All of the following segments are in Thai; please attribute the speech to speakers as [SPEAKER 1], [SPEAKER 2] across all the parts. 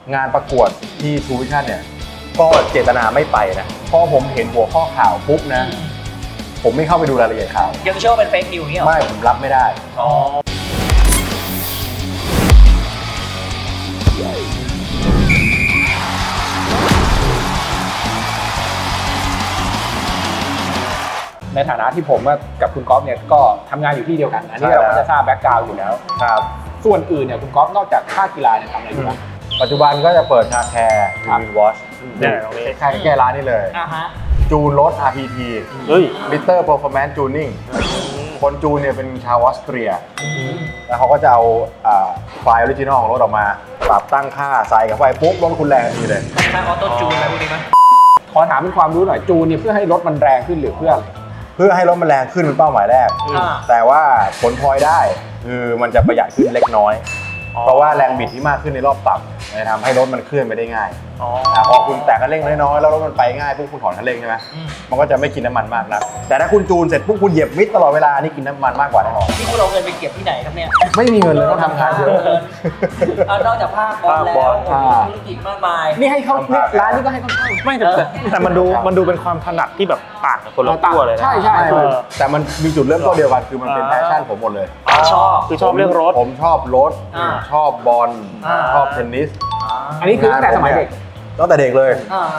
[SPEAKER 1] งานประกวดที่ True Vision เนี่ยก็เจตนาไม่ไปนะพอผมเห็นหัวข้อข่าวปุ๊บนะผมไม่เข้าไปดูรายละเอียดข่าว
[SPEAKER 2] ยังเชื่อว่าเป็นเฟกนิวส์นี่หรอ
[SPEAKER 1] ไม่ผมรับไม่ได้
[SPEAKER 3] ในฐานะที่ผมกับคุณก๊อฟเนี่ยก็ทำงานอยู่ที่เดียวกันอันนี้เราก็จะทราบแบ็กกราวด์อยู่แล้ว
[SPEAKER 1] ครับ
[SPEAKER 3] ส่วนอื่นเนี่ยคุณก๊อฟนอกจากภาคกีฬาเนี่ยทำอะไรอยู่บ้าง
[SPEAKER 1] ปัจจุบันก็จะเปิดคาแคร์วินวอช
[SPEAKER 4] เนี่ยตรงนี้
[SPEAKER 1] ใกล้ร้านนี่เลยจูนรถ RPT ลิตเตอร์ Performance Tuning คนจูนเนี่ยเป็นชาวออสเตรียแล้วเขาก็จะเอาไฟล์ออริจินอลของรถออกมาปรับตั้งค่าใส่กับไฟปุ๊บรถคุณแรงทันทีเลย
[SPEAKER 2] ใช้ออโต้จูนอะไรพวกนี้ไหม
[SPEAKER 3] ขอถามเป็นความรู้หน่อยจูนเนี่ยเพื่อให้รถมันแรงขึ้นหรือเพื่อ
[SPEAKER 1] ให้รถมันแรงขึ้นเป็นเป้าหมายแรกแต่ว่าผลพลอยได้คือมันจะประหยัดขึ้นเล็กน้อยเพราะว่าแรงบิดที่มากขึ้นในรอบต่ำจะทำให้รถมันเคลื่อนไปได้ง่ายพอคุณแตะคันเร่งน้อยๆแล้วรถมันไปง่ายพวกคุณถอนคันเร่งใช่ไหมมันก็จะไม่กินน้ำมันมากนะแต่ถ้าคุณจูนเสร็จพวกคุณเหยียบมิดตลอดเวลานี่กินน้ำมันมากกว่าแน่นอน
[SPEAKER 2] ที่คุณเอาเงินไปเก็บที่ไหนครับเนี่ย
[SPEAKER 1] ไม่มีเงินเลยต้องทำงานเยอะ
[SPEAKER 2] นอกจากภาคบอลแล้วธุรกิจมากมาย
[SPEAKER 3] นี่ให้เขาร้านนี้ก็ให้เขาเข้า
[SPEAKER 4] ไม่แต่มันดูเป็นความถนัดที่แบบต่างกับคนละขั้วเลยนะ
[SPEAKER 3] ใช่
[SPEAKER 1] แต่มันมีจุดเริ่มต้นเดียวกันคือมันเป็นแพชชั่นผมหมดเลย
[SPEAKER 4] ชอบเรื่องรถ
[SPEAKER 1] ผมชอบรถชอบบอลชอบเทนนิส
[SPEAKER 3] อันนี้คือตั้งแต่สมัยเด็ก
[SPEAKER 1] ตั้งแต่เด็กเลย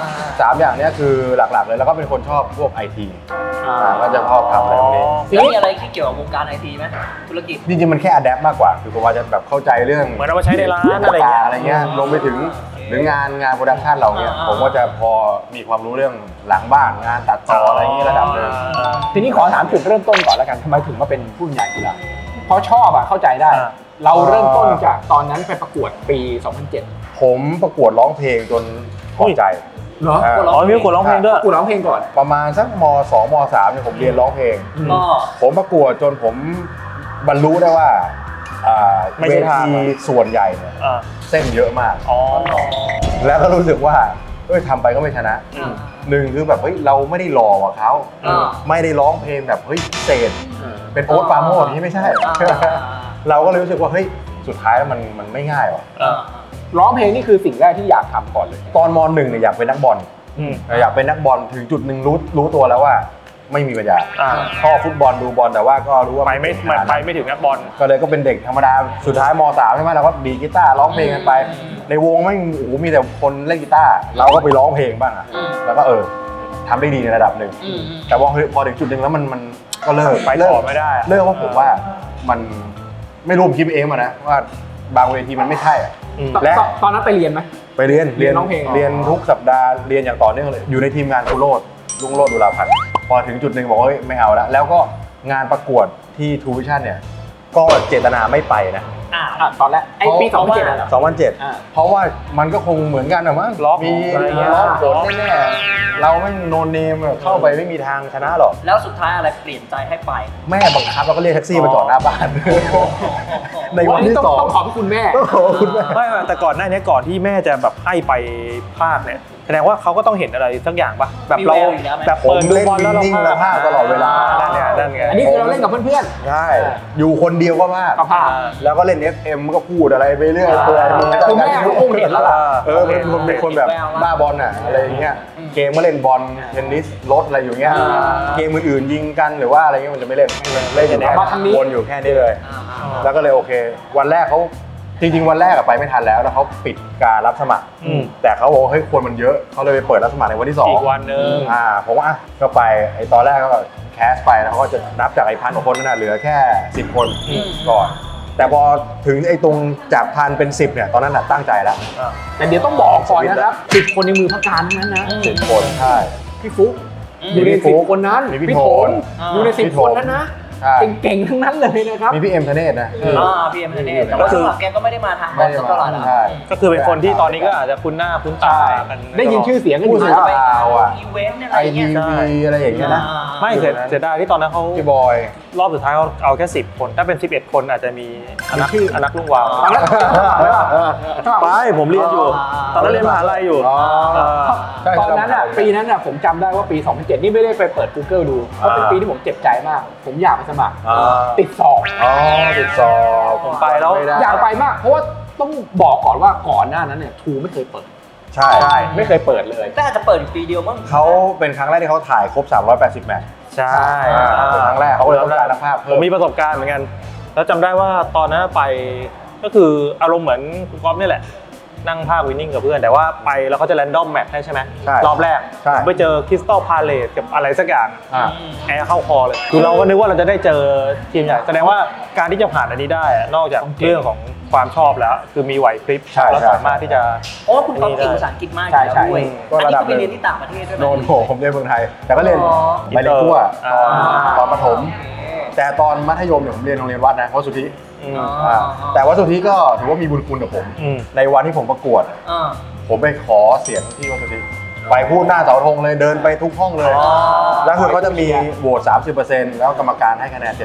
[SPEAKER 1] 3อย่างนี้คือหลักๆเลยแล้วก็เป็นคนชอบพวก IT ก็จะชอบทำอะไรพวกนี้
[SPEAKER 2] แล้วมีอะไรที่เกี่ยวกับวงการ IT ไหมธุรกิจ
[SPEAKER 1] จริงๆมันแค่อะแดปมากกว่าคือผมว่าจะแบบเข้าใจเรื่อง
[SPEAKER 4] เหมือนเอามาใช้ในร้านอะไร
[SPEAKER 1] เงี้ยรวมไปถึงหรืองานโปรดักชันเราเนี่ยผมก็จะพอมีความรู้เรื่องหลังบ้านงานตัดต่ออะไรอย่างนี้ระดับนึง
[SPEAKER 3] ทีนี้ขอถามจุดเริ่มต้นก่อนแล้วกันทำไมถึงมาเป็นผู้บรรยายกีฬาเพราะชอบเข้าใจได้เราเริ่มต้นจากตอนนั้นไปประกวดปี 2007
[SPEAKER 1] ผมประกวดร้องเพลงจนพอใจ
[SPEAKER 3] เหรอ
[SPEAKER 4] มีประกวดร้องเพลงด้วย
[SPEAKER 3] ประกวดร้องเพลงก่อน
[SPEAKER 1] ประมาณสักม.2 ม.3 เนี่ยผมเรียนร้องเพลงผมประกวดจนผมบรรลุได้ว่าเวทีส่วนใหญ่เนี่ยเส้นเยอะมากแล้วก็รู้สึกว่าทำไปก็ไม่ชนะหนึ่งคือแบบเฮ้ยเราไม่ได้หล่อกว่าเขาไม่ได้ร้องเพลงแบบเฮ้ยเศษเป็นโอ๊ตปราโมชนี่ไม่ใช่เราก็เลยรู้สึกว่าเฮ้ยสุดท้ายแล้วมันไม่ง่ายว่ะ
[SPEAKER 3] ร้องเพลงนี่คือสิ่งแรกที่อยากทำก่อนเลย
[SPEAKER 1] ตอนม.1เนี่ยอยากเป็นนักบอลอยากเป็นนักบอลถึงจุดหนึ่งรู้ตัวแล้วว่าไม่มีปัญญาชอบฟุตบอลดูบอลแต่ว่าก็รู้ว่า
[SPEAKER 4] ไปไม่ถึงนักบอล
[SPEAKER 1] ก็เลยก็เป็นเด็กธรรมดาสุดท้ายม.3ใช่ไหมเราก็ดีกีตาร์ร้องเพลงกันไปในวงไม่มีแต่คนเล่นกีตาร์เราก็ไปร้องเพลงบ้างแล้วก็ทำได้ดีในระดับหนึ่งแต่ว่าพอถึงจุดหนึ่งแล้วมันก็เลิก
[SPEAKER 4] ไปต่อไม่ได้
[SPEAKER 1] เลิกว่าผมว่ามันไม่รู้ผมคิดเองมานะว่าบางเวทีมันไม่ใช่
[SPEAKER 3] และตอนนั้นไปเรียนไหม
[SPEAKER 1] ไปเรียนร้องเพลงเรียนทุกสัปดาห์เรียนอย่างต่อเนื่องเลยอยู่ในทีมงานคุณโรจน์ลุงโรจน์ดุลาพันธ์พอถึงจุดหนึ่งบอกว่าไม่เอาแล้วก็งานประกวดที่ True Vision เนี่ยก็เจตนาไม่ไปนะ
[SPEAKER 3] ตอนแรกปี
[SPEAKER 1] 2007เพราะว่ามันก็คงเหมือนกันนะมั้งมีร้องผลแน่ๆเราไม่โนเนมเข้าไปไม่มีทางชนะหรอก
[SPEAKER 2] แล้วสุดท้ายอะไรเปลี่ยนใจให้ไป
[SPEAKER 1] แม่บังคับเราก็เรียกแท็กซี่มาจอดหน้าบ้านในวันที่2
[SPEAKER 3] ต้องขอบคุณแม่
[SPEAKER 4] ไม่แต่ก่อนหน้านี้ก่อนที่แม่จะแบบให้ไปภาคเนี่ยแสดงว่าเขาก็ต้องเห็นอะไรสักอย่างป่ะแบบเรา
[SPEAKER 1] แบบเปิดดูบอลแล้วเราพากตลอดเวลา
[SPEAKER 4] นั่นไง
[SPEAKER 3] อันนี้คือเราเล่นกับเพื่อน
[SPEAKER 1] ๆใช่อยู่คนเดียวก็พากแล้วก็เล่น FM ก็พูดอะไรไปเรื่อย
[SPEAKER 3] คือแม่เขาคงเห็นแล้วล่ะ
[SPEAKER 1] เป็นคนแบบบ้าบอลอ่ะอะไรอย่างเงี้ยเกมก็เล่นบอลเทนนิสรถอะไรอยู่เงี้ยเกมอื่นๆยิงกันหรือว่าอะไรเงี้ยมันจะไม่เล่นวนอยู่แค่นี้เลยแล้วก็เลยโอเควันแรกเขาจริงๆวันแรกไปไม่ทันแล้วเขาปิดการรับสมัครแต่เขาบอกเฮ้ยคนมันเยอะเขาเลยไปเปิดรับสมัครในวันที่2
[SPEAKER 4] อีกวันนึง
[SPEAKER 1] ผมว่าก็ไปตอนแรกก็แคสไปแล้วเขาก็จะนับจาก1,000 กว่าคนนั่นเหลือแค่10 คนก่อนแต่พอถึงตรงจาก1,000 เป็น10เนี่ยตอนนั้นตั้งใจแล้ว
[SPEAKER 3] แต่เดี๋ยวต้องบอกก่อนนะครับ10 คนในมือพักการนั้นนะ
[SPEAKER 1] 10 คนใช่
[SPEAKER 3] พี่ฟุ๊กอยู่ใน10 คนนั้นพี่โถนอยู่ใน10 คนนั้นนะเก่งๆทั้งนั้นเลยนะครับ
[SPEAKER 1] มีพี่เอ็มธเนศนะ
[SPEAKER 2] พี่เอ็มธเนศแต่ว่าแกก็ไม่ได้มาทางบอลตลอด
[SPEAKER 4] ก็คือเป็นคนที่ตอนนี้ก็อาจจะคุ้นหน้าคุ้นตากัน
[SPEAKER 3] ได้ยินชื่อเสียงกันอยู่
[SPEAKER 1] แล้ว
[SPEAKER 2] อีเวนต์อะไรอย่างเงี้ย
[SPEAKER 1] อะไรอย่างเงี้ยนะ
[SPEAKER 4] ไม่เสียดายที่ตอนนั้นเขา
[SPEAKER 1] พี่บอย
[SPEAKER 4] รอบสุดท้ายเขาเอาแค่10 คนถ้าเป็น11 คนอาจจะมีอนักลุงวาวไปผมเรียนอยู่ตอนนั้นเรียนมหาลัยอยู่
[SPEAKER 3] ตอนนั้นปีนั้นผมจำได้ว่าปี 2007นี่ไม่ได้ไปเปิด Google ดูเพราะเป็นปีที่ผมเจ็บใจมากผมอยากไปสมัครติดสอบ
[SPEAKER 1] ติดสอบ
[SPEAKER 4] ผมไปแล้ว
[SPEAKER 3] อยากไปมากเพราะว่าต้องบอกก่อนว่าก่อนหน้านั้นเนี่ยทูไม่เคยเปิด
[SPEAKER 1] ใช่
[SPEAKER 3] ไม่เคยเปิดเลย
[SPEAKER 2] แต่อาจจะเปิดอยู่ปีเดียวมั้ง
[SPEAKER 1] เขาเป็นครั้งแรกที่เขาถ่ายครบ 380 แมตช์
[SPEAKER 4] ใช่
[SPEAKER 1] เป็นครั้งแรกเขาเลยต้องการนักภาพ
[SPEAKER 4] ผ
[SPEAKER 1] เพิ่
[SPEAKER 4] ม
[SPEAKER 1] ม
[SPEAKER 4] มีประสบการณ์เหมือนกัน แล้วจำได้ว่าตอนนั้นไปก็คืออารมณ์เหมือนคุณก๊อฟนี่แหละ นั่งภาควินนิ่งกับเพื่อนแต่ว่าไปแล้วเขาจะแรนดอมแมตช์ให้ใช่ไหม
[SPEAKER 1] ใช่
[SPEAKER 4] รอบแรก
[SPEAKER 1] ใช่
[SPEAKER 4] ผมไปเจอคริสตัลพาเลตกับอะไรสักอย่าง
[SPEAKER 1] อ่า
[SPEAKER 4] แอร์เข้าคอเลยคือเราก็นึกว่าเราจะได้เจอทีมใหญ่แสดงว่าการที่จะผ่านอันนี้ได้อะนอกจากเรื่องของความชอบแล้ว คือมีไหวพริบ
[SPEAKER 1] ใช่
[SPEAKER 4] แล้ว
[SPEAKER 1] ใช่
[SPEAKER 4] สามารถที่จะ
[SPEAKER 2] โอ้คุณก๊อฟเก่งภาษาอังกฤษมาก
[SPEAKER 3] ใช่
[SPEAKER 2] อยู่
[SPEAKER 3] ใช่
[SPEAKER 2] แล้วด้วย
[SPEAKER 1] ก็
[SPEAKER 2] อัน
[SPEAKER 1] ระ
[SPEAKER 2] นี้
[SPEAKER 1] ดับ
[SPEAKER 2] ก็ไปเรียนที่ต่างประเทศด้วยไหม
[SPEAKER 1] โดนผมเรียนเมืองไทย แต่ก็เรียน
[SPEAKER 2] อ๋อ
[SPEAKER 1] ไปเรียนทั่ว
[SPEAKER 4] อ่า
[SPEAKER 1] ตอนประถม แต่ตอนมัธยมเนี่ยผมเรียนโรงเรียนวัดนะวัดสุทธิ
[SPEAKER 4] อืม
[SPEAKER 2] อ๋อ
[SPEAKER 1] แต่วัดสุทธิก็ถือว่ามีบุญคุณกับผม
[SPEAKER 4] อืม
[SPEAKER 1] ในวันที่ผมประกวด
[SPEAKER 2] อ่า
[SPEAKER 1] ผมไปขอเสียงที่วัดสุทธิไปพูดหน้าเสาธงเลยเดินไปทุกห้องเลย
[SPEAKER 2] อ๋อ
[SPEAKER 1] แล้วคือเขาจะมีโหวต 30%แล้วกรรมการให้คะแนน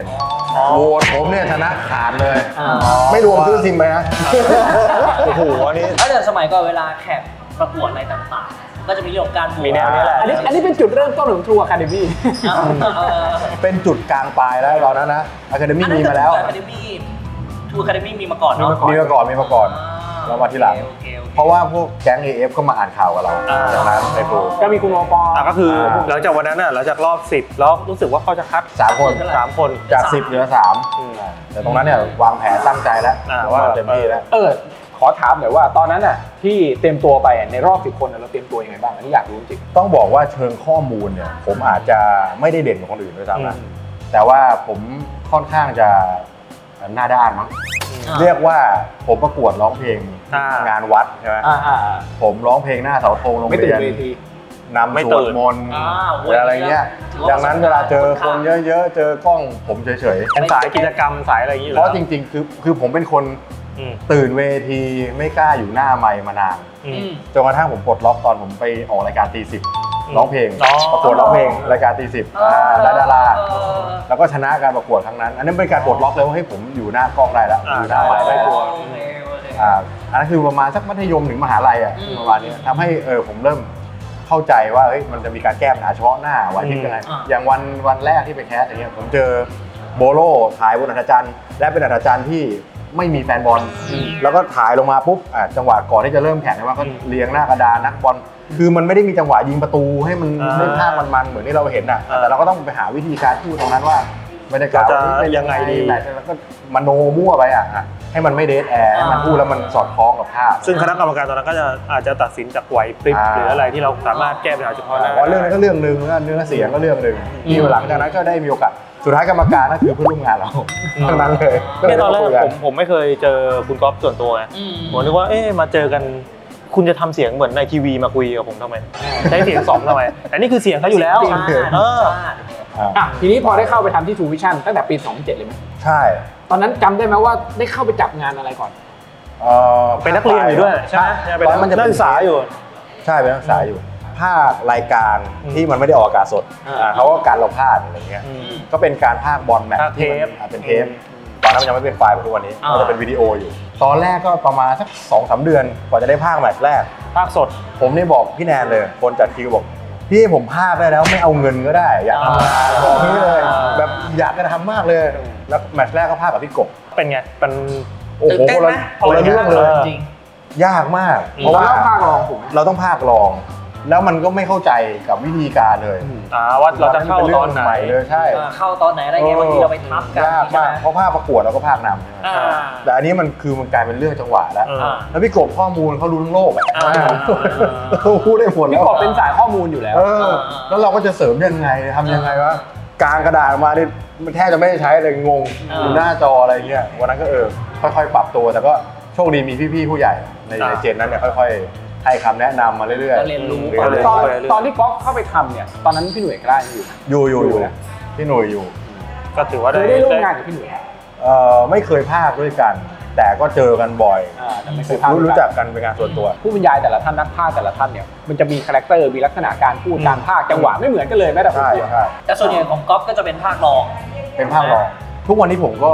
[SPEAKER 1] 70%โหวตผมเนี่ยชนะขาดเลย ไม่รวมซื้อซิมไปนะ
[SPEAKER 4] โอ้โหอันนี้
[SPEAKER 2] แล้วเดี๋ยวสมัยก่อนเวลาแข่งประกวดอะไรต่างๆ ก็จะมีเรื่องของการบวช
[SPEAKER 4] มีแนวนี้แหละ
[SPEAKER 3] อันนี้เป็นจุดเริ่มต้นของ True Academy
[SPEAKER 1] เป็นจุดกลางปลายแล้วตอนนั้นนะอะคาเดมี่มีมาแล้ว
[SPEAKER 2] อะคาเดมี่ทูอะคาเดมี่มีมาก่อนเนาะ
[SPEAKER 1] มีมาก่อนแล้วมาทีหลัง
[SPEAKER 2] โอเคโอเค
[SPEAKER 1] เพราะว่าพวกแก๊ง AF ก็มาอ่านข่าวกับเรา
[SPEAKER 4] อ่า
[SPEAKER 1] จากนั้นในโปร
[SPEAKER 3] ก็มีคุณโอปอ
[SPEAKER 4] ก็คือหลังจากวันนั้นน่ะหลังจากรอบ 10 แล้วรู้สึกว่าเขาจะคัด
[SPEAKER 1] 3 คน
[SPEAKER 4] 3 คน
[SPEAKER 1] จาก 10 เหลือ
[SPEAKER 4] อืม
[SPEAKER 1] 3แต่ตรงนั้นเนี่ยวางแผนตั้งใจแล้ว
[SPEAKER 4] ว่า
[SPEAKER 1] ว่าเต็มที่แล้ว
[SPEAKER 3] ขอถามหน่อยว่าตอนนั้นน่ะที่เตรียมตัวไปในรอบ10 คนเราเตรียมตัวยังไงบ้างอันนี้อยากรู้จริง
[SPEAKER 1] ต้องบอกว่าเชิงข้อมูลเนี่ยผมอาจจะไม่ได้เด่นกว่าคนอื่นด้วยซ้ำนะ
[SPEAKER 4] อืม
[SPEAKER 1] แต่ว่าผมค่อนข้างจะหน้าด้านมั้ง
[SPEAKER 2] อ่า
[SPEAKER 1] เรียกว่าผมประกวดร้องเพลง
[SPEAKER 4] อ่าง
[SPEAKER 1] งานวัดใช่ไหม ผมร้องเพลงหน้าเสาธงโรง
[SPEAKER 3] ไม่ตื่
[SPEAKER 1] เรี
[SPEAKER 3] น
[SPEAKER 1] ยน
[SPEAKER 3] เวที
[SPEAKER 1] นำ
[SPEAKER 4] ไม่
[SPEAKER 1] ส
[SPEAKER 4] ตื่
[SPEAKER 1] วด
[SPEAKER 4] น
[SPEAKER 1] มนต์
[SPEAKER 2] โอ้ย
[SPEAKER 1] อะไรเงี้ย
[SPEAKER 2] ถือว่า
[SPEAKER 1] ดังนั้นเวลาเจอคนเยอะๆ เจอกล้องผมเฉย
[SPEAKER 4] เป็นสายกิจกรรมสายอะไรอย่างนี้อ
[SPEAKER 1] ๆ
[SPEAKER 4] ยู่
[SPEAKER 1] เพ
[SPEAKER 4] แล้ว
[SPEAKER 1] ราะจริงๆ คือผมเป็นคน
[SPEAKER 4] อืม
[SPEAKER 1] ตื่นเวทีไม่กล้าอยู่หน้าไมค์มานาน
[SPEAKER 4] อืม
[SPEAKER 1] จนกระทั่งผมปลดล็อกตอนผมไปออกรายการตีสิบ
[SPEAKER 4] อืม
[SPEAKER 1] ร้องเพลง
[SPEAKER 4] อ๋อ
[SPEAKER 1] ประกวดร้องเพลงรายการตีสิบได้ดารา
[SPEAKER 2] เออ
[SPEAKER 1] แล้วก็ชนะการประกวดครั้งนั้น อันนั้นเป็นการปลดล็อกเลยว่าให้ยผมอยู่หน้ากล้องได้แล้วอยู่หน้าไมค์ได้แล้ว
[SPEAKER 2] โอเคโอเค
[SPEAKER 1] อันนั้นคือประมาณสักมัธยมถึงมหาลัยอ่ะ
[SPEAKER 2] อืม
[SPEAKER 1] ประมาณนี้ทำให้ผมเริ่มเข้าใจว่าเฮ้ยมันจะมีการแก้ปัญหาเฉพาะหน้าวันที่ยังไง
[SPEAKER 2] อ่า
[SPEAKER 1] อย่างวันแรกที่ไปแคสอย่างเงี้ยผมเจอโบโลถ่ายบนอัธจันทร์และเป็นอัธจันทร์ที่ไม่มีแฟนบอลแล้วก็ถ่ายลงมาปุ๊บจังหวะก่อนที่จะเริ่มแข่งเนี่ยว่าก็เรียงหน้ากระดานนักบอลคือมันไม่ได้มีจังหวะยิงประตูให้มันได้ภาพมันๆเหมือนที่เราเห็นอ่ะแต่เราก็ต้องไปหาวิธีการพูดตรงนั้นว่าบรรยากาศวันนี้เป็นยังไงดีแมตช์แล้วก็มโนมั่วไปอ่ะให้มันไม่เดทแอร์ให้มันพูดแล้วมันสอดคล้องกับภาพ
[SPEAKER 4] ซึ่งคณะกรรมการตอนนั้นก็จะอาจจะตัดสินจากไหวพริบหรืออะไรที่เราสามารถแก้ปัญหาเฉพาะหน้า
[SPEAKER 1] ว่าเรื่องนั้นก็เรื่องหนึ่งแล้วเนื้อเสียงก็เรื่องหนึ่งที่หลังจากนั้นก็ได้มีโอกาสสุดท้ายกรรมการก็คือเพื่อนร่วมงานเราทั้งนั้นเลย
[SPEAKER 4] เนี่ยตอนแรก
[SPEAKER 1] คุยกั
[SPEAKER 4] ผมไม่เคยเจอคุณก๊อฟส่วนตัวไง
[SPEAKER 2] อืม
[SPEAKER 4] ผมนึกว่ามาเจอกันคุณจะทำเสียงเหมือนในทีวีมาคุยกับผมทำไมใช้เสียงสองทำไมแต่นี่คือเสียงเขาอยู่แล้ว
[SPEAKER 2] จริง
[SPEAKER 4] เออ
[SPEAKER 3] ทีนี้พอได้เข้าไปทำที่ True Vision ตั้งแต่ปี 2007 เลยไหม
[SPEAKER 1] ใช่
[SPEAKER 3] ตอนนั้นจำได้ไหมว่าได้เข้าไปจับงานอะไรก่อน
[SPEAKER 4] เป็นนักเรียนอยู่ด้วยใช่ไหมเป็นนักศึกษาอยู่
[SPEAKER 1] ใช่เป็นนักศึกษาอยู่ภาครายการที่มันไม่ได้ออกอากาศสดเขาก็การเราพลาดอะไรเงี้ยก็เป็นการภาคบอลแมตช์
[SPEAKER 4] ภาคเทป
[SPEAKER 1] ที่มันเป็นเทปตอนนั้นมันยังไม่เป็นไฟล์เหมือนทุกวันนี้มันจะเป็นวิดีโออยู่ ตอนแรกก็ประมาณสัก 2-3 เดือนกว่าจะได้ภาคแมตช์แรก
[SPEAKER 4] ภาคสด
[SPEAKER 1] ผมนี่บอกพี่แนนเลยคนจัดคิวบอกพี่ผมภาคได้แล้วไม่เอาเงินก็ได้อยากทำงานบอกนี้เลยแบบอยากจะทำมากเลยแล้วแมตช์แรกก็ภาคกับพี่กบ
[SPEAKER 4] เป็นไงเป็น
[SPEAKER 1] โอ้โห
[SPEAKER 2] ตื่นเต้น
[SPEAKER 1] คน
[SPEAKER 2] ไหม
[SPEAKER 1] ละเรื่องเลย
[SPEAKER 2] จริง
[SPEAKER 1] ยากมาก
[SPEAKER 4] อืม
[SPEAKER 1] เพราะว่า
[SPEAKER 3] เราภาครองถูกไหม
[SPEAKER 1] เราต้องภาครอง แล้วมันก็ไม่เข้าใจกับวิธีการเลย
[SPEAKER 4] ว่าเราจะเข้าตอนไหน
[SPEAKER 1] ใหม่เลยใช่
[SPEAKER 2] เข้าตอนไหนอะไรเงี้ยบางทีเราไปทับกัน
[SPEAKER 1] ยากมากเพราะภาคประกวดเราก็ภาคนำใช่ไหม
[SPEAKER 2] อ่า
[SPEAKER 1] แต่อันนี้มันกลายเป็นเรื่องจังหวะแล้ว แล้วพี่กบข้อมูลเขารู้ทั้งโลกอ่ะ
[SPEAKER 2] อ่า
[SPEAKER 1] เขาพูดได้หมด
[SPEAKER 3] พี่
[SPEAKER 1] แล้ว
[SPEAKER 3] กบเป็นสายข้อมูลอยู่แล้ว
[SPEAKER 1] แล้วเราก็จะเสริมยังไงทำยังไงวะกลางกระดาษมาเนี่ยมันแทบจะไม่ได้ใช้เลยงงอยู่หน้าจออะไรเงี้ยวันนั้นก็ค่อยๆ ปรับตัวแต่ก็โชคดีมีพี่ๆผู้ใหญ่ในเจนนั้นเนี่ยค่อยๆให้คำแนะนำมาเรื่อย
[SPEAKER 2] ก็เรียนรู้
[SPEAKER 1] เรื่อยๆ
[SPEAKER 3] ตอนที่ก๊อฟเข้าไปทำเนี่ยตอนนั้นพี่หน่วยกล้าอยู่
[SPEAKER 1] อยู่พี่หนุ่ยอยู่
[SPEAKER 4] ก็ถือว่า
[SPEAKER 3] เคยได้ร่วมงานกับพี่หน่วย
[SPEAKER 1] ไม่เคยภาคด้วยกัน แต่ก็เจอกันบ่อย
[SPEAKER 3] แต่ไม่เคยพา
[SPEAKER 1] รู้จักกันเป็นงานส่วนตัว
[SPEAKER 3] ผู้บรรยายแต่ละท่านนักพากย์แต่ละท่านเนี่ยมันจะมีคาแรคเตอร์มีลักษณะการพูดการพากย์จังหวะไม่เหมือนกันเลยแม้แต่คน
[SPEAKER 1] ใช่
[SPEAKER 3] พูด
[SPEAKER 1] ใช่
[SPEAKER 2] แต่ส่วนใหญ่ของก๊อฟก็จะเป็นภาครอง
[SPEAKER 1] เป็นภาครองทุกวันนี้ผมก็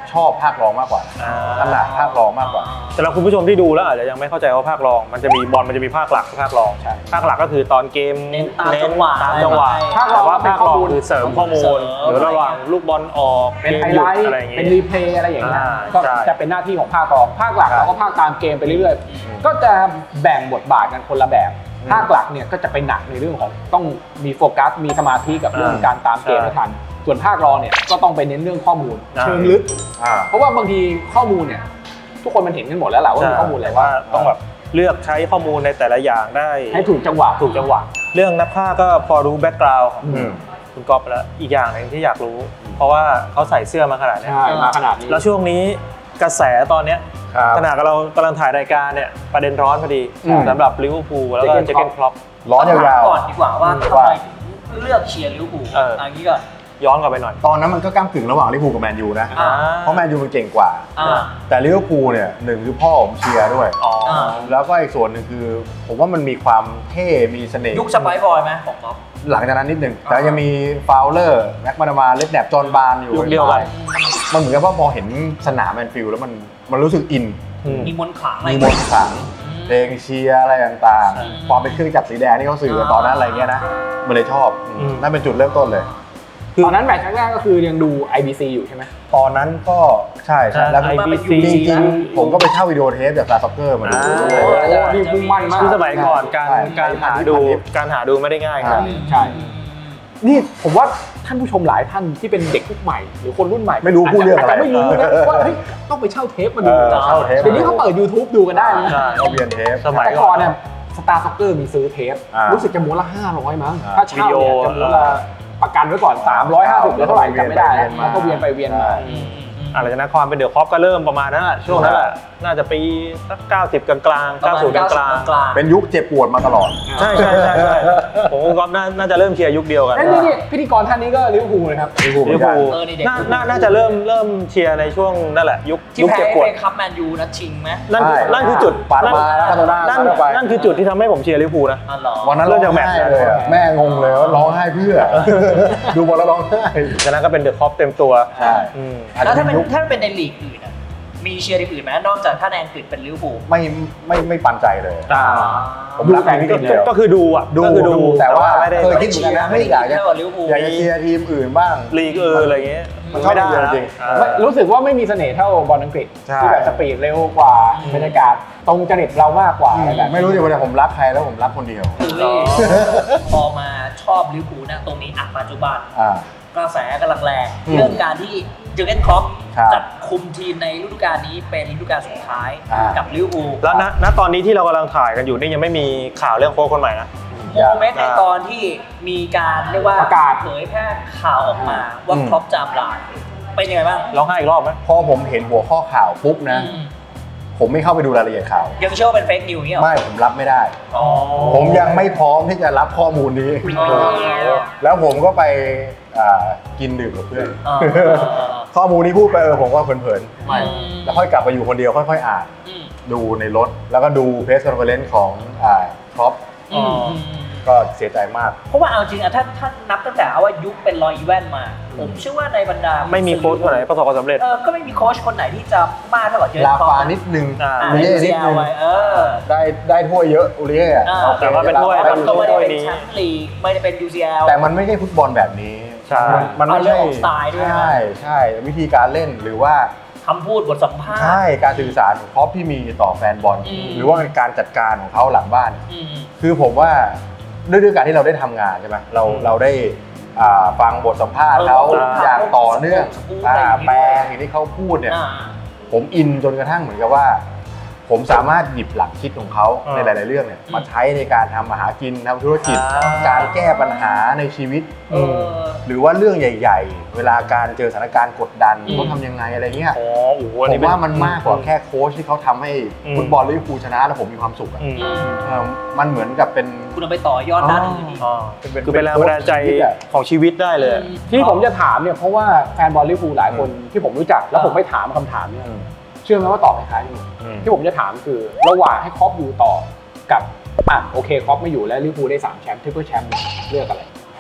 [SPEAKER 1] ชอบภาครองมากกว่าถนัดภาครองมากกว่า
[SPEAKER 4] สำหรับคุณผู้ชมที่ดูแล้วอาจจะยังไม่เข้าใจว่าภาครองมันจะมีบอลมันจะมีภาคหลักภาครองภาคหลักก็คือตอนเกม
[SPEAKER 2] เน้นตามจังหวะ
[SPEAKER 3] ภาครอง
[SPEAKER 4] แต่ว่าภาครองคือเสริมข้อมูลหรือระหว่างลูกบอลออก
[SPEAKER 3] เป็นไฮไลท์เป็นรีเพลย์อะไรอย่างเงี้ยก็จะเป็นหน้าที่ของภาครองภาคหลักเราก็ภาคตามเกมไปเรื่อยๆก็จะแบ่งบทบาทกันคนละแบบภาคหลักเนี่ยก็จะไปหนักในเรื่องของต้องมีโฟกัสมีสมาธิกับเรื่องการตามเกมให้ทันส่วนภาครองเนี่ยก็ต้องไปเน้นเรื่องข้อมูลเชิงลึกเพราะว่าบางทีข้อมูลเนี่ยทุกคนมันเห็นกันหมดแล้วแหละว่ามีข้อมูลอะไรว่า
[SPEAKER 4] ต้องแบบเลือกใช้ข้อมูลในแต่ละอย่างได้
[SPEAKER 3] ให้ถูกจังหวะ
[SPEAKER 4] เรื่องนักพากย์ก็พอรู้แบ็กกราวด์ของคุณก๊อฟแล้วอีกอย่างนึงที่อยากรู้เพราะว่าเขาใส่เสื้อมาขนาดนี้
[SPEAKER 3] มาขนาดนี้
[SPEAKER 4] แล้วช่วงนี้กระแสตอนเนี้ยขณะเรากำลังถ่ายรายการเนี่ยประเด็นร้อนพอดีสำหรับลิเวอร์พูลแล้วก็เจอร์เก้นคล็อป
[SPEAKER 1] ร้อนยาว
[SPEAKER 2] ๆก่อนดีกว่าว่าทำไมถึงเลือกเชียร์ลิเวอร์พูลอันนี้ก็
[SPEAKER 4] ย้อนกลับไปหน่อย
[SPEAKER 1] ตอนนั้นมันก็ก้ำกึ่งระหว่างลิเวอร์พูลกับแมนยูนะเพราะแมนยูมันเก่งกว่าแต่ลิเวอร์พูลเนี่ยหนึ่งคือพ่อผมเชียร์ด้วยแล้วก็อีกส่วนหนึ่งคือผมว่ามันมีความเท่มีเสน่ห์
[SPEAKER 2] ยุคสไปซ์บอยไหมของเขา
[SPEAKER 1] หลังจากนั้นนิดหนึ่งแต่ยังมีฟาวเลอร์แม็กมานามาเลดแนบจอห์นบาร์นอยู่
[SPEAKER 4] ยุคเดียวกัน
[SPEAKER 1] มันเหมือนกับว่าพอเห็นสนามแมนฟิลด์แล้วมันรู้สึกอิน
[SPEAKER 2] มีมนต์ขลัง
[SPEAKER 1] เพลงเชียร์อะไรต่างๆความเป็นเครื่องจักรสีแดงที่เขาสื่อตอนนั้นอะไรเงี้ยนะมันเลยชอบนั่นเป็นจุดเริ่มต้นเลย
[SPEAKER 3] ตอนนั้นแมตช์แรกก็คือยังดู IBC อยู่ใช่ไหม
[SPEAKER 1] ตอนนั้นก็ใช่แล้ว
[SPEAKER 4] IBC
[SPEAKER 1] จริงๆผมก็ไปเช่าวิดีโอเทปจากซาซ็อกเกอร์มาดู
[SPEAKER 3] นี่มุ่งมั่นมาก
[SPEAKER 4] สมัยก่อนการหาดูไม่ได้ง่ายครับ
[SPEAKER 3] ใช่นี่ผมว่าท่านผู้ชมหลายท่านที่เป็นเด็กรุ่นใหม่หรือคนรุ่นใหม่
[SPEAKER 1] ไม่รู้พูดเรื่องอะไร
[SPEAKER 3] ไม่รู้นะว่าเฮ้ยต้องไปเช่าเทปมาดูเดี๋ยวนี้เขาเปิด YouTube ดูกันได้นะ
[SPEAKER 1] เขาเรียนเทป
[SPEAKER 3] สมัยก่อนเนี่ยสตาร์ซ็อกเกอร์มีซื้อเทปรู้สึกจะม้วนละ500มั้งถ้าเช่าเนี่ยจะม้วนละประกันไว้ก่อน350หรือเท่าไหร่จำไม่ได้แล้วก็เวียนไปเวียนมา
[SPEAKER 4] อะไรจากนั้นความเป็นเดอะคอปก็เริ่มประมาณนั้นแหละช่วงนั้นแหละน่าจะปีสัก90กลางๆ90กลาง
[SPEAKER 1] ๆเป็นยุคเจ็บปวดมาตลอด
[SPEAKER 4] ใช่ผมกับก๊อฟน่าจะเริ่มเชียร์ยุคเดียวกัน
[SPEAKER 3] นี่พิธีกรท่านนี้ก็ลิเวอร์พูลนะครับ
[SPEAKER 1] ลิเวอร์พูล
[SPEAKER 4] น่าจะเริ่มเชียร์ในช่วงนั่นแหละยุคเจ็บปวด
[SPEAKER 2] คัพแมนยูนัดชิงไหม
[SPEAKER 4] นั่นคือจุดนั่นคือจุดที่ทำให้ผมเชียร์ลิเวอร์พูลนะ
[SPEAKER 1] วันนั้นเริ่มจากแมตช์เลยแม่งงเลยว่าร้องไห้เพื่อดูบอลแล้วร้องไห้
[SPEAKER 4] จากนั้นก็เป็นเดอะคอปเต็มตัว
[SPEAKER 1] ใช่
[SPEAKER 2] แล้วถ้าเป็นในลีกอื่นมีเชียร์ทีมอื่นไหมนอกจากถ้าในอังกฤษเป็นลิเวอร์พูล
[SPEAKER 1] ไม่ปันใจเลย
[SPEAKER 3] ผมรักแต่
[SPEAKER 4] ก็คือดูอ่ะ
[SPEAKER 1] แต่ว่าเคยคิดเหมือนกันนะไม่อยากจะเชียร์ทีมอื่นบ้าง
[SPEAKER 4] ลีกอะไรเงี้ย
[SPEAKER 1] มันไม่ได้จริง
[SPEAKER 3] รู้สึกว่าไม่มีเสน่ห์เท่าบอลอังกฤษที่แบบสปีดเร็วกว่าบรรยากาศตรงจริตเรามากกว่า
[SPEAKER 1] ไม่รู้ดิว่าผมรักใครแล้วผมรักคนเดียว
[SPEAKER 2] พอมาชอบลิเวอร์พูลนะตรงนี้ปัจจุบันกระแสกำลังแรงเรื่องการที่เจอร์เก้นคล็อปจัดคุมทีมในฤดูกาลนี้เป็นฤดูกาลสุดท้ายกับลิเวอร์พูล
[SPEAKER 4] แล้วณตอนนี้ที่เรากำลังถ่ายกันอยู่นี่ยังไม่มีข่าวเรื่องโค้ชคนใหม่นะ
[SPEAKER 2] โมเมนต์ในตอนที่มีการเรียกว่า
[SPEAKER 3] ประกาศ
[SPEAKER 2] เผยแพร่ข่าวออกมาว่าคล็อปจะลาเป็นยังไงบ้าง
[SPEAKER 4] ร้องไห้อีกรอบไหม
[SPEAKER 1] พอผมเห็นหัวข้อข่าวปุ๊บนะผมไม่เข้าไปดูรายละเอียดข่าว
[SPEAKER 2] ยังเชื่อว่าเป็นเฟกนิวส์เนี่ย
[SPEAKER 1] ไม่ผมรับไม่ได้ผมยังไม่พร้อมที่จะรับข้อมูลนี้แล้วผมก็ไปกินดื่มกับเพื่อนข้อมูลนี้พูดไปผมก็เพลินๆแล้วค่อยกลับไปอยู่คนเดียวค่อยๆอ่านดูในรถแล้วก็ดูเพรสคอนเฟอเรนซ์ของคล็อปก็เสียใจมาก
[SPEAKER 2] เพราะว่าเอาจริงอะถ้านับตั้งแต่ว่ายุคเป็นรอยอีแวนมาผมเชื่อว่าในบรรดา
[SPEAKER 4] ไม่มีโค้ชคนไหนประสบความสำเร็จ
[SPEAKER 2] ก็ไม่มีโค้ชคนไหนที่จะมากเท่ากับเจอร์
[SPEAKER 1] ลาฟานิดนึง
[SPEAKER 2] อุริเย่นิดนึง
[SPEAKER 1] ได้ถ้วยเยอะอุริเย่
[SPEAKER 4] แต่ว่าเป็นถ้วย
[SPEAKER 2] นี้แชมป์ลีกไม่ได้เป็น UCL
[SPEAKER 1] แต่มันไม่ใช่ฟุตบอลแบบนี้
[SPEAKER 2] มันไม่ใช่สไตล์ด้วย
[SPEAKER 1] ใช่วิธีการเล่นหรือว่า
[SPEAKER 2] คำพูดบทสัมภาษณ์
[SPEAKER 1] ใช่การสื่อสารของเขาที่มีต่อแฟนบอลหรือว่าการจัดการของเขาหลังบ้านคือผมว่าด้วยการที่เราได้ทำงานใช่ไหมเราได้ฟังบทสัมภาษณ์เขาอย่างต่อเนื่องแปลสิ่งที่เขาพูดเนี่ยผมอินจนกระทั่งเหมือนกับว่าผมสามารถหยิบหลักคิดของเขาในหลายๆเรื่องเนี่ยมาใช้ในการทำมาหากินทำธุรกิจการแก้ปัญหาในชีวิตหรือว่าเรื่องใหญ่ๆเวลาการเจอสถานการณ์กดดันเขาทำยังไงอะไรเงี้ยผมว่ามันมากกว่าแค่โค้ชที่เขาทำให้ฟุตบอลลิเวอร์พูลชนะแล้วผมมีความสุขมันเหมือนกับเป็น
[SPEAKER 2] คุณเอาไปต่อยอดด้านอื่น
[SPEAKER 4] คือเป็นแรงบันดาลใจของชีวิตได้เลย
[SPEAKER 3] ที่ผมจะถามเนี่ยเพราะว่าแฟนบอลลิเวอร์พูลหลายคนที่ผมรู้จักแล้วผมไปถามคำถามเนี่ยเชื่อไหมว่าตอบคล้ายๆกันที่ผมจะถามคือระหว่างให้คล็อปอยู่ต่อกับโอเคคล็อปไม่อยู่แล้วลิเวอร์พูลได้3แชมป์ทริปเปิลแชมป์เลือกอะไร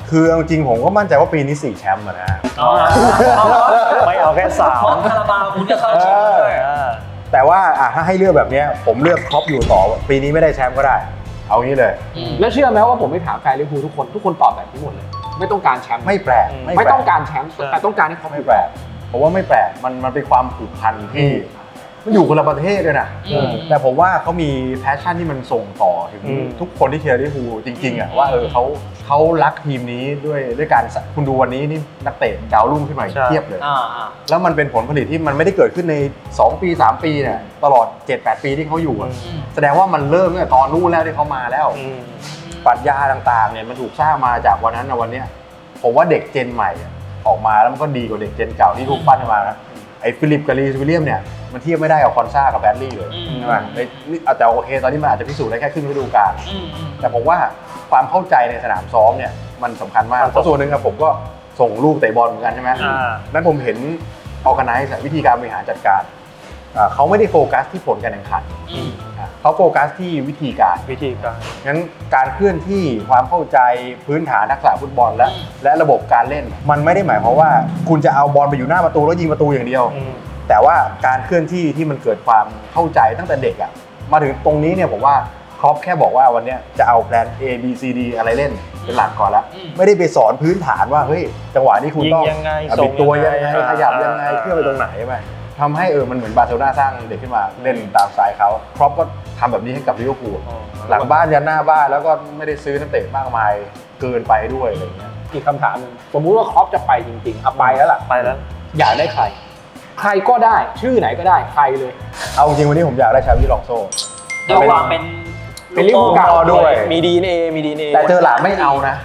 [SPEAKER 1] คือจริงๆผมก็มั่นใจว่าปีนี้4แชมป์นะฮะ
[SPEAKER 4] ไม่เอาแค่สาม
[SPEAKER 2] ของคาราบาวคุณจะเข้าชิงด้วย
[SPEAKER 1] แต่ว่าถ้าให้เลือกแบบนี้ผมเลือกครอปอยู่ต่อปีนี้ไม่ได้แชมป์ก็ได้ เอางี้เลย
[SPEAKER 3] แล้วเชื่อไหมว่าผมไปถามแฟนลิเวอร์พูลทุกคนตอบแบบนี้หมดเลยไม่ต้องการแชมป์
[SPEAKER 1] ไม่แปลก
[SPEAKER 3] ไม่ต้องการแชมป์แต่ต้องการให้เขา
[SPEAKER 1] ไม่แปลกผมว่าไม่แปลกมันเป็นความผูกพันที่มันอยู่คนละประเทศด้วยนะแต่ผมว่าเขามีแพชชั่นที่มันส่งต่อถึงทุกคนที่เชียร์ลิเวอร์พูลจริงๆว่าเขารักทีมนี้ด้วยการคุณดูวันนี้นี่นักเตะดาวรุ่งขึ้นมาเทียบเลยแล้วมันเป็นผลผลิตที่มันไม่ได้เกิดขึ้นใน2 ปี 3 ปีเนี่ยตลอด 7-8 ปีที่เขาอยู่แสดงว่ามันเริ่มตั้งแต่ตอนนู้นแล้วที่เขามาแล้วปรัชญาต่างๆเนี่ยมันถูกสร้างมาจากวันนั้นวันนี้ผมว่าเด็กเจนใหม่ออกมาแล้วมันก็ดีกว่าเด็กเจนเก่าที่ถูกปั้นมานะไอ้ฟิลิปกับรีสวิลเลียมเนี่ยมันเทียบไม่ได้กับคอนซ่ากับแบดลี่เลยใช่ไหมแต่โอเคตอนนี้มันอาจจะพิสูจน์ได้แค่ครึ่งฤดูกาลแต่ผมว่าความเข้าใจในสนามซ้อมเนี่ยมันสำคัญมากเพราะส่วนหนึ่งครับผมก็ส่งลูกเตะบอลเหมือนกันใช่ไหมนั้นผมเห็นออร์แกไนซ์วิธีการบริหารจัดการเขาไม่ได้โฟกัสที่ผลการแข่งขันเขาโฟกัสที่วิธีการงั้นการเคลื่อนที่ความเข้าใจพื้นฐานทักษะฟุตบอลและระบบการเล่นมันไม่ได้หมายความว่าคุณจะเอาบอลไปอยู่หน้าประตูแล้วยิงประตูอย่างเดียวแต่ว่าการเคลื่อนที่ที่มันเกิดความเข้าใจตั้งแต่เด็กมาถึงตรงนี้เนี่ยผมว่าครอปแค่บอกว่าวันนี้จะเอาแพลน A B C D อะไรเล่นเป็นหลักก่อนแล้วไม่ได้ไปสอนพื้นฐานว่าเฮ้ยจังหวะนี้คุณต้องบิดตัวยังไงขยับยังไงเคลื่อนไปตรงไหนใช่ไหมทำให้มันเหมือนบาร์เซโลนาสร้างเด็กขึ้นมาเล่นตามสไตล์เขาครอปก็ทำแบบนี้ให้กับลิเวอร์พูลหลังบ้านยันหน้าบ้านแล้วก็ไม่ได้ซื้อนักเตะมากมายเกินไปด้วยอะไรอย่างเงี้ย
[SPEAKER 3] อีกคำถามนึงสมมุติว่าครอปจะไปจริงๆไปแล้วล่ะ
[SPEAKER 4] ไปแล้ว
[SPEAKER 3] อยากได้ใครก็ได้ชื่อไหนก็ได้ใครเลย
[SPEAKER 1] เอาจริงวันนี้ผมอยากได้ชาบิลองโซ่
[SPEAKER 2] ด้วยความเป็น
[SPEAKER 3] ลิเวอร์พูลเก่า
[SPEAKER 1] ด้วย
[SPEAKER 4] มีDNA
[SPEAKER 1] แต่เจอหลานไม่เอานะ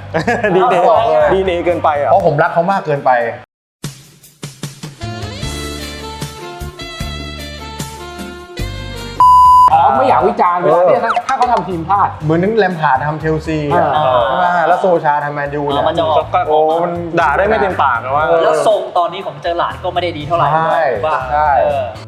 [SPEAKER 4] DNA เกินไป
[SPEAKER 1] เพราะผมรักเขามากเกินไป
[SPEAKER 3] ไม่อยากวิจารณ์เวลาที่ถ้าเขาทำทีมพลาด
[SPEAKER 1] เหมือนนึงแลมพาร์ดทำเชลซีใช่ไหมแล้วโซชาทำแมนยูเนี่ย
[SPEAKER 2] มันจะ
[SPEAKER 4] มันด่าได้ไม่เต็มปากนะว่า
[SPEAKER 2] แล้วทรงตอนนี้ของเจอหลานก็ไม่ได้ดีเท่าไหร่
[SPEAKER 1] ใช่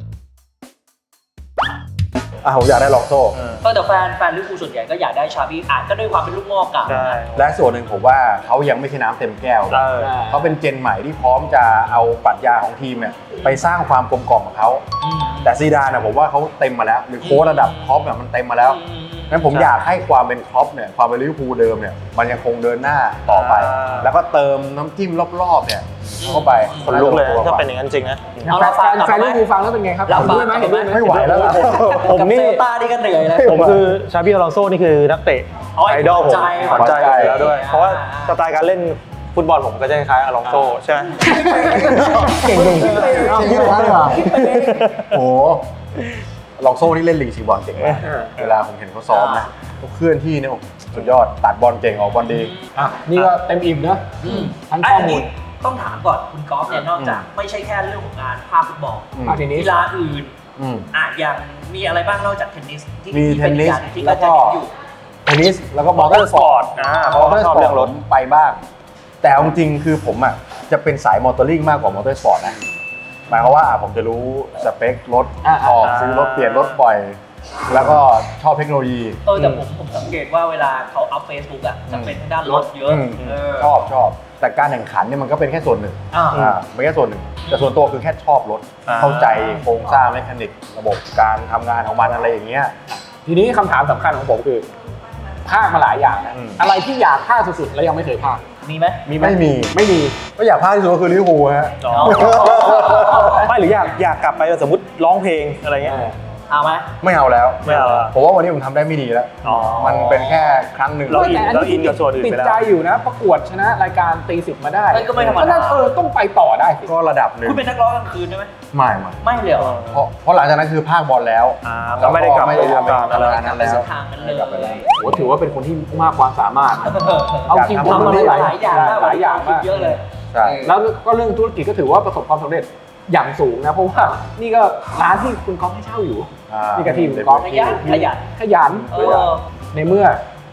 [SPEAKER 1] ผมอยากได้ลองโซ่
[SPEAKER 2] แต่แฟนลิเวอร์พูลส่วนใหญ่ก็อยากได้ชาบี้ก็ด้วยความเป็นลูกงอกกัน
[SPEAKER 1] และส่วนหนึ่งผมว่าเขายังไม่ใช่น้ำเต็มแก้วเขาเป็นเจนใหม่ที่พร้อมจะเอาปรัชญาของทีมเนี่ยไปสร้างความกลมกล่อมของเขาแต่ซีดานผมว่าเขาเต็มมาแล้วหรือโค้ชระดับท็อปเนี่ยมันเต็มมาแล้วงั้นผมอยากให้ความเป็นท็อปเนี่ยความเป็นลิเวอร์พูลเดิมเนี่ยมันยังคงเดินหน้าต่อไปแล้วก็เติมน้ำจิ้มรอบๆเนี่ยเข้าไป
[SPEAKER 4] คนลุกเลยถ้าเป็นอย่างนั้นจริงนะ
[SPEAKER 3] แฟนลิเวอร์พูลฟังแล้วเป็นไงครับ
[SPEAKER 2] รับด้วยไหม
[SPEAKER 1] ไม่ไหวแล้ว
[SPEAKER 4] ผมนี่
[SPEAKER 2] ตาดีกันเหนื่อยเลย
[SPEAKER 4] ผมคือชาบิอลองโซ่นี่คือนักเตะไอดอลผมขวัญใจแล้วด้วยเพราะว่าสไตล์การเล่นฟุตบอลผมก็จะคล้ายอลองโซ่ใช่ไหม
[SPEAKER 1] เก่งที่ร้านเลยโอ้ลองโซ่นี่เล่นลีกซีบอลเก่งมากเวลาผมเห็นเขาซ้อมนะเขาเคลื่อนที่เนี่ยสุดยอดตัดบอลเก่งออกบอลดี
[SPEAKER 3] นี่ก็เต็มอิ่มนะทั้งข้อมูล
[SPEAKER 2] ต้องถามก่อนคุณกอล์ฟเนี่ยนอกจากไม่ใช่แค่เรื่องของงานภาคฟุตบอลกีฬาอื่นอย่างมีอะไรบ้างนอกจากเทนนิสที่เป็นการที่ก็จะอยู่
[SPEAKER 1] เทนนิสแล้วก็มอเตอร์สปอร์ต
[SPEAKER 4] เพราะว่าชอบเรื่องรถ
[SPEAKER 1] ไปบ้างแต่จริงๆคือผมจะเป็นสายมอเตอร์ลิงมากกว่ามอเตอร์สปอร์ตนะหมายความว่าผมจะรู้สเปครถออกซื้อรถเปลี่ยนรถบ่อยแล้วก็ชอบเทคโนโลยี
[SPEAKER 2] แต่ผมสังเกตว่าเวลาเขาอัพเฟซบุ๊กจะเป็นทางด้านรถเยอะ
[SPEAKER 1] ชอบแต่การแข่งขันเนี่ยมันก็เป็นแค่ส่วนหนึ่งไม่แค่ส่วนหนึ่งแต่ส่วนตัวคือแค่ชอบรถเข้าใจโครงสร้างเมคานิกระบบการทำงานของมันอะไรอย่างเงี้ย
[SPEAKER 3] ทีนี้คำถามสำคัญของผมคือภาคมาหลายอย่างนะอะไรที่อยากภาคสุดๆแล้วยังไม่เคยภาค
[SPEAKER 2] มีไหม
[SPEAKER 1] ไม่มีก็อยากภาคที่สุดก็คือลิเวอร์พูลฮะ
[SPEAKER 4] ไม่หรืออยากกลับไปสมมติร้องเพลงอะไรเงี้ย
[SPEAKER 2] เอาไหม
[SPEAKER 1] ไม่เอาแล้วผมว่าวันนี้ผมทำได้ไม่ดีแล้วมันเป็นแค่ครั้งหนึ่ง
[SPEAKER 4] เราอินกับส่วนอื่นไปแล้ว
[SPEAKER 3] ติดใจอยู่นะประกวดชนะรายการตี10มาได้
[SPEAKER 2] ก็ไม่ธรรมดา
[SPEAKER 3] ต้องไปต่อได้สิ
[SPEAKER 1] ก็ระดับหนึ่ง
[SPEAKER 2] คุณเป็นนักร้องกลางคืนใช่ไหม
[SPEAKER 1] ไม่
[SPEAKER 2] เลยเหรอ
[SPEAKER 1] เพราะหลังจากนั้นคือภาคบอลแล้ว
[SPEAKER 4] ก็ไม่ได้กลับไป
[SPEAKER 1] ทำอะไรนั้นแล้ว
[SPEAKER 3] ถือว่าเป็นคนที่มากความสามารถเอาจริงทำมาหลายอย่างมาก
[SPEAKER 2] เยอะเลย
[SPEAKER 3] แล้วก็เรื่องธุรกิจก็ถือว่าประสบความสำเร็จอย่างสูงนะเพราะว่านี่ก็ร้านที่คุณก๊อฟให้เช่าอยู่นี่ก็ทีมก๊อฟ
[SPEAKER 2] ขยัน
[SPEAKER 3] ในเมื่อ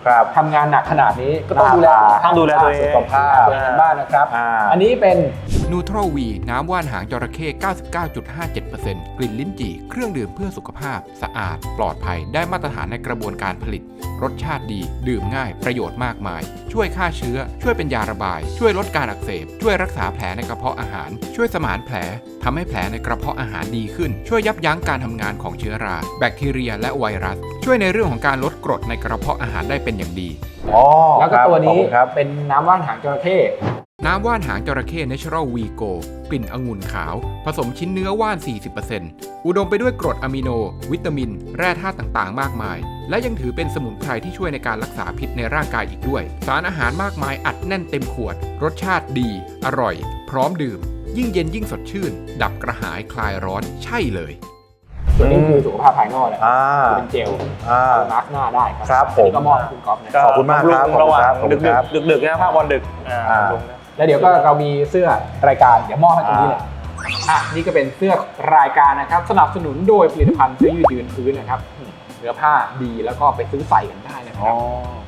[SPEAKER 3] ทำงานหนักขนาดนี้ก็ต้องดูแล
[SPEAKER 4] ต้องดูแลตัวเอง
[SPEAKER 3] สุขภาพกันบ้างนะครับอันนี้เป็น
[SPEAKER 5] นูโทรวีน้ำว่านหางจระเข้ 99.57% กลิ่นลิ้นจี่เครื่องดื่มเพื่อสุขภาพสะอาดปลอดภัยได้มาตรฐานในกระบวนการผลิตรสชาติดีดื่มง่ายประโยชน์มากมายช่วยฆ่าเชื้อช่วยเป็นยาระบายช่วยลดการอักเสบช่วยรักษาแผลในกระเพาะอาหารช่วยสมานแผลทำให้แผลในกระเพาะอาหารดีขึ้นช่วยยับยั้งการทำงานของเชื้อราแบคทีเรียและไวรัสช่วยในเรื่องของการลดกรดในกระเพาะอาหารได้เป็นอย่างดี
[SPEAKER 3] แล้วก็ตัวนี้เป็นน้ำว่านหางจระเข้
[SPEAKER 5] น้ำว่านหางจระเข้ Natural V Go กลิ่นองุ่นขาวผสมชิ้นเนื้อว่าน 40% อุดมไปด้วยกรดอะมิโนวิตามินแร่ธาตุต่างๆมากมายและยังถือเป็นสมุนไพรที่ช่วยในการรักษาพิษในร่างกายอีกด้วยสารอาหารมากมายอัดแน่นเต็มขวดรสชาติดีอร่อยพร้อมดื่มยิ่งเย็นยิ่งสดชื่นดับกระหายคลายร้อนใช่เลย
[SPEAKER 3] ตัวนี้คือสุขภาพภายนอกนะเป็นเจลมาร์กหน้าได้ครับผมก็มอบคุณก๊อฟนะ
[SPEAKER 1] ขอบคุณมากครับ
[SPEAKER 4] ระหว่างดึกๆนะภาคบอลดึก
[SPEAKER 3] แล้วเดี๋ยวก็เรามีเสื้อรายการเดี๋ยวมอบให้ตรงนี้เลยนี่ก็เป็นเสื้อรายการนะครับสนับสนุนโดยผลิตภัณฑ์เสื้อยืดพื้นนะครับเนื้อผ้าดีแล้วก็ไปซื้อใส่กันได้นะครับ